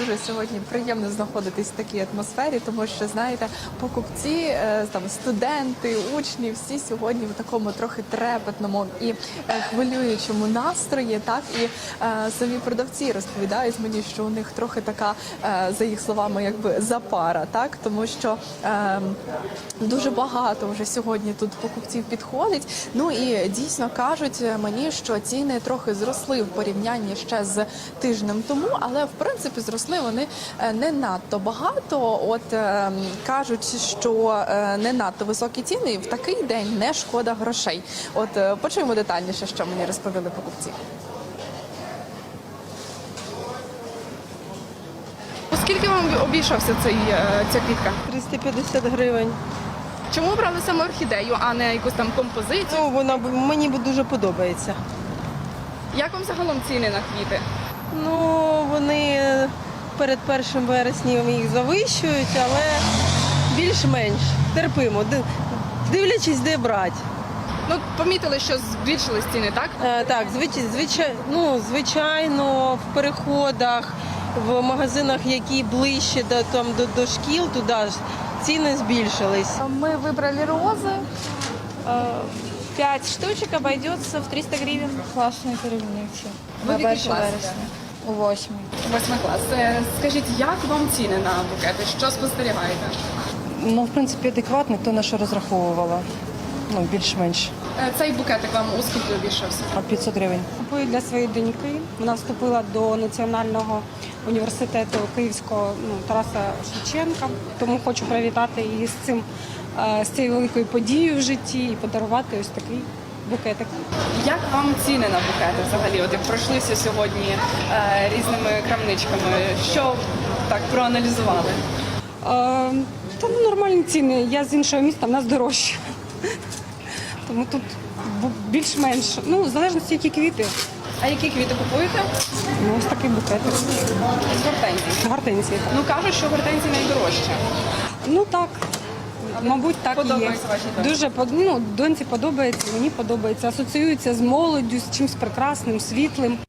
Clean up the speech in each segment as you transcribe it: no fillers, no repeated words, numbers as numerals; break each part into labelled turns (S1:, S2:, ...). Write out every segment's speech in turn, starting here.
S1: дуже сьогодні приємно знаходитись в такій атмосфері, тому що, знаєте, покупці, там, студенти, учні, всі сьогодні в такому трохи трепетному і хвилюючому настрої, так, і самі продавці розповідають мені, що у них трохи така, за їх словами, якби запара, так, тому що дуже багато вже сьогодні тут покупців підходить, ну і дійсно кажуть мені, що ціни трохи зросли в порівнянні ще з тижнем тому, але в принципі зросли вони не надто багато. От кажуть, що не надто високі ціни і в такий день не шкода грошей. От почуємо детальніше, що мені розповіли покупці. Скільки вам обійшовся ця квітка?
S2: 350 гривень.
S1: Чому обрали саме орхідею, а не якусь там композицію?
S2: Ну, вона мені дуже подобається.
S1: Як вам загалом ціни на квіти?
S2: Ну, вони перед 1 вересня їх завищують, але більш-менш терпимо, дивлячись, де брати.
S1: Ну, помітили, що збільшились ціни, так?
S2: Так, звичайно, в переходах, в магазинах, які ближче до шкіл, туди ж ціни збільшились.
S3: Мы выбрали розы. 5 штучек обойдется в 300 гривен. Классные переливницы.
S1: Ви в який клас?
S3: У 8.
S1: 8 клас. Скажіть, як вам ціни на букети? Що спостерігаєте?
S4: Ну, в принципі, адекватний, то на що розраховувала. Ну, більш-менш.
S1: Цей букетик вам у скільки обійшовся?
S4: 500 гривень.
S5: Купую для своєї доньки. Вона вступила до Національного університету Київського Тараса Шевченка. Тому хочу привітати її з цією великою подією в житті і подарувати ось такий букетик.
S1: Як вам ціни на букети взагалі? От як пройшлися сьогодні різними крамничками, що так проаналізували?
S5: Та нормальні ціни. Я з іншого міста, в нас дорожче. Тому тут більш-менш, в залежності, які квіти.
S1: А які квіти купуєте?
S5: Ось такий букетик.
S1: З гортензій.
S5: Гортензії.
S1: Ну, кажуть, що гортензії найдорожче.
S5: Ну так, мабуть, так і є.
S1: Подобається вашій доньці?
S5: Дуже, доньці подобається, мені подобається. Асоціюється з молоддю, з чимось прекрасним, світлим.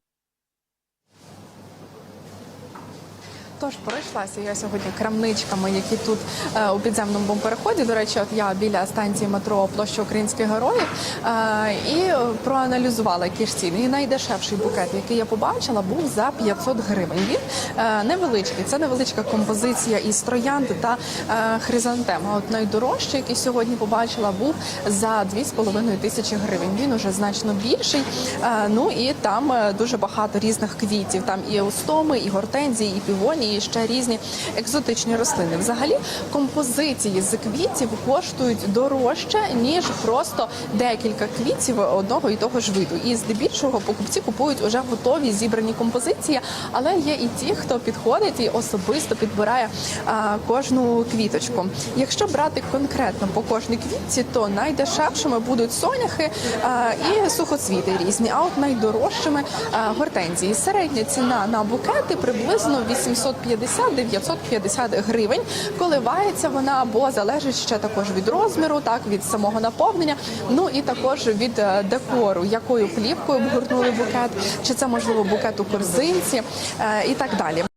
S1: Тож, пройшлася я сьогодні крамничками, які тут у підземному переході. До речі, от я біля станції метро Площа Українських Героїв і проаналізувала, які ж ціни. І найдешевший букет, який я побачила, був за 500 гривень. Він невеличкий, це невеличка композиція із троянди та хризантем. А от найдорожчий, який сьогодні побачила, був за 2500 гривень. Він уже значно більший. Ну і там дуже багато різних квітів. Там і еустоми, і гортензії, і півонії, і ще різні екзотичні рослини. Взагалі, композиції з квітів коштують дорожче, ніж просто декілька квітів одного і того ж виду. І здебільшого покупці купують уже готові зібрані композиції, але є і ті, хто підходить і особисто підбирає кожну квіточку. Якщо брати конкретно по кожній квітці, то найдешевшими будуть соняхи і сухоцвіти різні, а от найдорожчими гортензії. Середня ціна на букети приблизно 850-950 гривень. Коливається вона, бо залежить ще також від розміру, так, від самого наповнення, ну і також від декору, якою плівкою обгорнули букет, чи це, можливо, букет у корзинці і так далі.